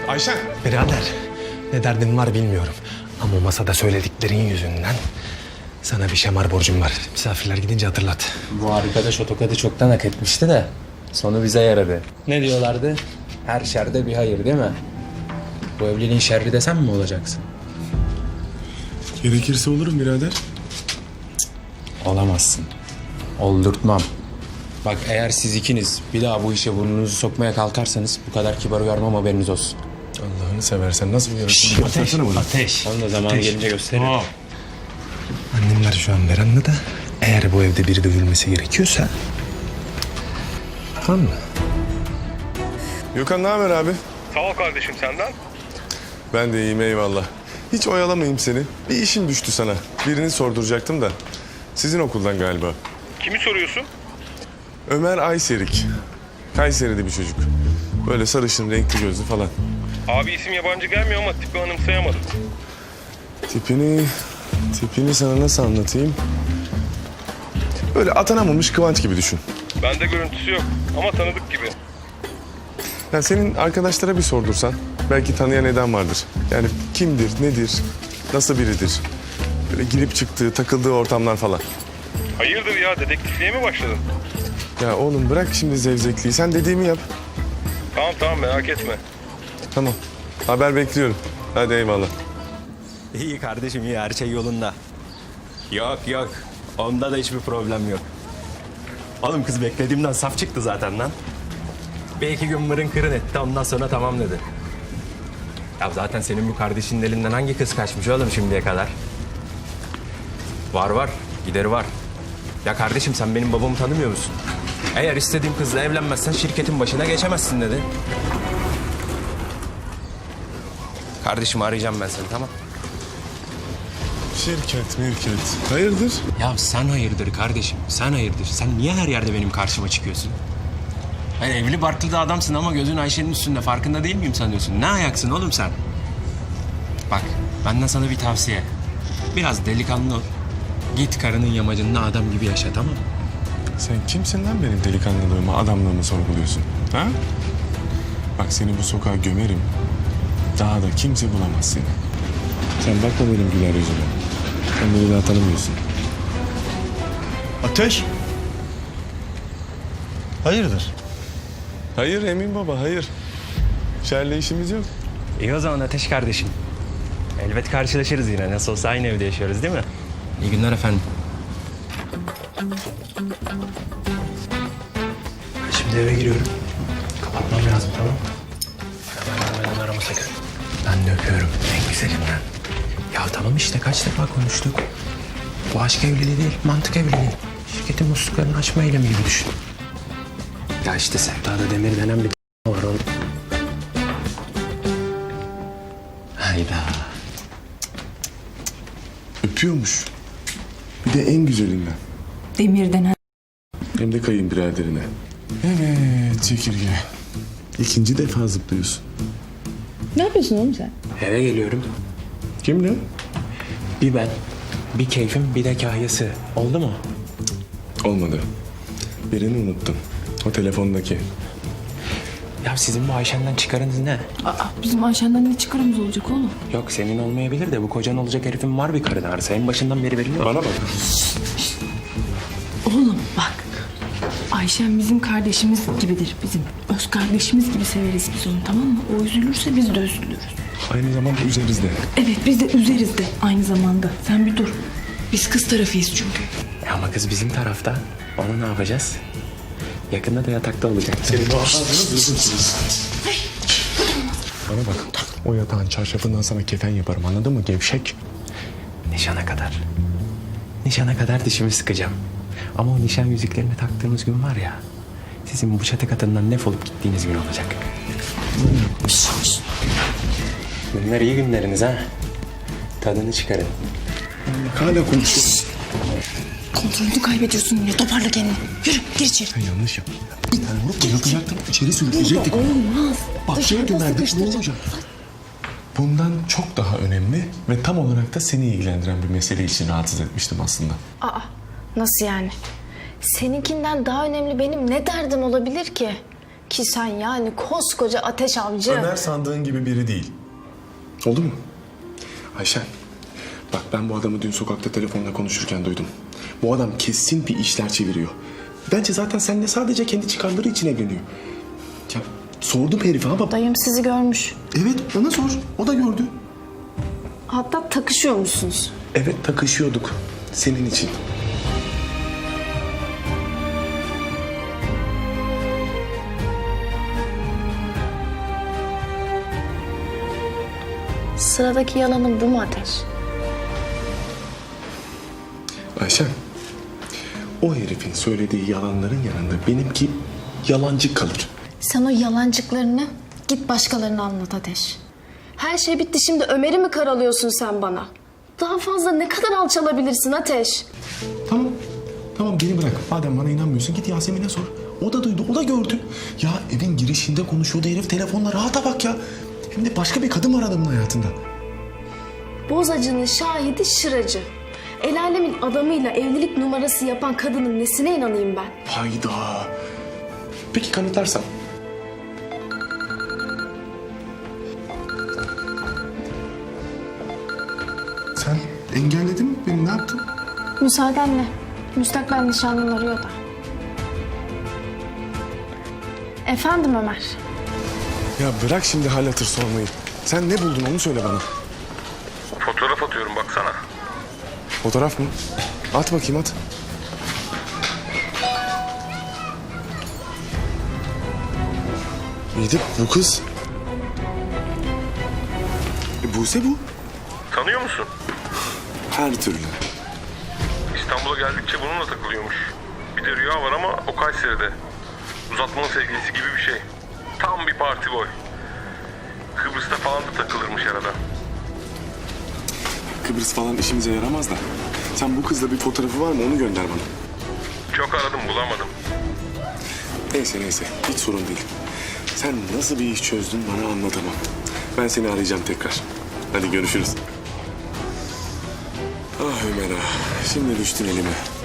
Ayşen. Birader, ne derdin var bilmiyorum. Ama masada söylediklerin yüzünden sana bir şamar borcum var. Misafirler gidince hatırlat. Bu arkadaş o tokadı çoktan hak etmişti de sonu bize yaradı. Ne diyorlardı? Her şerde bir hayır değil mi? Bu evliliğin şerri de sen mi olacaksın? Gerekirse olurum birader. Olamazsın. Oldurtmam. Bak eğer siz ikiniz bir daha bu işe burnunuzu sokmaya kalkarsanız bu kadar kibar uyarmam, haberiniz olsun. Allah'ını seversen nasıl bir yarışma? Ateş. Onu da zamanı gelince gösteririm. Annemler şu an verandada. Eğer bu evde biri dövülmesi gerekiyorsa... Tamam mı? Gökhan ne haber abi? Sağ ol kardeşim, senden. Ben de iyiyim eyvallah. Hiç oyalamayayım seni. Bir işim düştü sana. Birini sorduracaktım da. Sizin okuldan galiba. Kimi soruyorsun? Ömer Ayserik. Kayseri'de bir çocuk. Böyle sarışın, renkli gözlü falan. Abi isim yabancı gelmiyor ama tipi anımsayamadım. Tipini sana nasıl anlatayım? Böyle atanamamış Kıvanç gibi düşün. Bende görüntüsü yok ama tanıdık gibi. Yani senin arkadaşlara bir sordursan belki tanıyan eden vardır. Yani kimdir, nedir, nasıl biridir? Böyle girip çıktığı, takıldığı ortamlar falan. Hayırdır ya, dedektifliğe mi başladın? Ya oğlum bırak şimdi zevzekliği. Sen dediğimi yap. Tamam merak etme. Tamam. Haber bekliyorum. Hadi eyvallah. İyi kardeşim, iyi, her şey yolunda. Yok onda da hiçbir problem yok. Oğlum kız beklediğimden saf çıktı zaten lan. Bir iki gün mırın kırın etti, ondan sonra tamam dedi. Ya zaten senin bu kardeşinin elinden hangi kız kaçmış oğlum şimdiye kadar? Var gideri var. Ya kardeşim sen benim babamı tanımıyor musun? Eğer istediğim kızla evlenmezsen şirketin başına geçemezsin dedi. Kardeşim arayacağım ben seni, tamam? Şirket. Hayırdır? Ya sen hayırdır kardeşim, sen hayırdır. Sen niye her yerde benim karşıma çıkıyorsun? Hani evli barklı da adamsın ama gözün Ayşe'nin üstünde, farkında değil miyim sanıyorsun? Ne ayaksın oğlum sen? Bak, benden sana bir tavsiye. Biraz delikanlı ol. Git karının yamacında adam gibi yaşa, tamam mı? Sen kimsin lan benim delikanlılığımı, adamlığımı sorguluyorsun? Ha? Bak seni bu sokağa gömerim. Daha da kimse bulamaz seni. Sen bakma benim güler yüzüme. Sen beni daha tanımıyorsun. Ateş. Hayırdır? Hayır Emin baba, hayır. Şerle işimiz yok. İyi o zaman Ateş kardeşim. Elbet karşılaşırız yine. Nasıl olsa aynı evde yaşıyoruz değil mi? İyi günler efendim. Şimdi eve giriyorum. Kapatmam lazım, tamam mı? Hemen arama sakın. Ben de öpüyorum en güzelinden. Ya tamam işte, kaç defa konuştuk. Bu aşk evliliği değil, mantık evliliği. Şirketin musluklarını açma eylemi gibi düşün. Ya işte Sevda'da Demir denen bir var oğlum. Hayda. Öpüyormuş. Bir de en güzelinden. Demir denen. Hem de kayınbiraderine. Evet çekirge. İkinci defa zıplıyorsun. Ne yapıyorsun oğlum sen? Eve geliyorum. Kimle? Bir ben, bir keyfim, bir de kahyası. Oldu mu? Olmadı. Birini unuttum. O telefondaki. Ya sizin bu Ayşen'den çıkarınız ne? Bizim Ayşen'den ne çıkarımız olacak oğlum? Yok senin olmayabilir de bu kocan olacak herifin var bir karın ağrısı. En başından beri belli. Bana bak. Oğlum bak. Ayşen bizim kardeşimiz gibidir. Bizim öz kardeşimiz gibi severiz biz onu, tamam mı? O üzülürse biz de üzülürüz. Aynı zamanda üzeriz de. Evet, biz de üzeriz de aynı zamanda. Sen bir dur. Biz kız tarafıyız çünkü. Ama kız bizim tarafta. Onu ne yapacağız? Yakında da yatakta olacak. Bana bak. O yatağın çarşafından sana kefen yaparım, anladın mı gevşek? Nişana kadar. Nişana kadar dişimi sıkacağım. Ama o nişan yüzüklerini taktığımız gün var ya... ...sizin bu çatı katından defolup gittiğiniz gün olacak. Bunlar iyi günleriniz ha. Tadını çıkarın. Hala konuşuyorsun. Kontrolünü kaybediyorsun yine. Toparla kendini. Yürü, gir içeri. Sen yanlış yaptın. Bir tane vurup bayıltacaktım. İçeri sürükleyecektik. Olmaz. Bahçeye gömerdik. Ne olacak? Bundan çok daha önemli ve tam olarak da seni ilgilendiren bir mesele için rahatsız etmiştim aslında. Aa, nasıl yani? Seninkinden daha önemli benim ne derdim olabilir ki? Ki sen yani koskoca Ateş Avcı. Ömer sandığın gibi biri değil. Oldu mu? Ayşen, bak ben bu adamı dün sokakta telefonla konuşurken duydum. Bu adam kesin bir işler çeviriyor. Bence zaten seninle sadece kendi çıkarları için evleniyor. Ya sordum herife ama... Dayım sizi görmüş. Evet, bana sor. O da gördü. Hatta takışıyormuşsunuz. Evet, takışıyorduk. Senin için. Sıradaki yalanın bu mu Ateş? Ayşen, o herifin söylediği yalanların yanında benimki yalancı kalır. Sen o yalancıklarını git başkalarına anlat Ateş. Her şey bitti, şimdi Ömer'i mi karalıyorsun sen bana? Daha fazla ne kadar alçalabilirsin Ateş? Tamam. Tamam beni bırak. Madem bana inanmıyorsun git Yasemin'e sor. O da duydu, o da gördü. Ya evin girişinde konuşuyordu herif telefonla. Rahata bak ya. Hem de başka bir kadın var adamın hayatında. Bozacının şahidi şıracı. El alemin adamıyla evlilik numarası yapan kadının nesine inanayım ben? Hayda. Peki kanıtlarsam? Sen engelledin mi beni? Ne yaptın? Müsaadenle. Müstakbel nişanlım arıyor da. Efendim Ömer. Ya bırak şimdi hal hatır sormayı. Sen ne buldun onu söyle bana. Fotoğraf atıyorum baksana. Fotoğraf mı? At bakayım at. İyi de bu kız. Buse bu. Tanıyor musun? Her türlü. İstanbul'a geldikçe bununla takılıyormuş. Bir de Rüya var ama o Kayseri'de. Uzatmanın sevgilisi gibi bir şey. Tam bir parti boy. Kıbrıs'ta falan da takılırmış arada. Kıbrıs falan işimize yaramaz da. Sen bu kızla bir fotoğrafı var mı onu gönder bana. Çok aradım bulamadım. Neyse hiç sorun değil. Sen nasıl bir iş çözdün bana anlatamam. Ben seni arayacağım tekrar. Hadi görüşürüz. Ah Ömer ah. Şimdi düştün elime.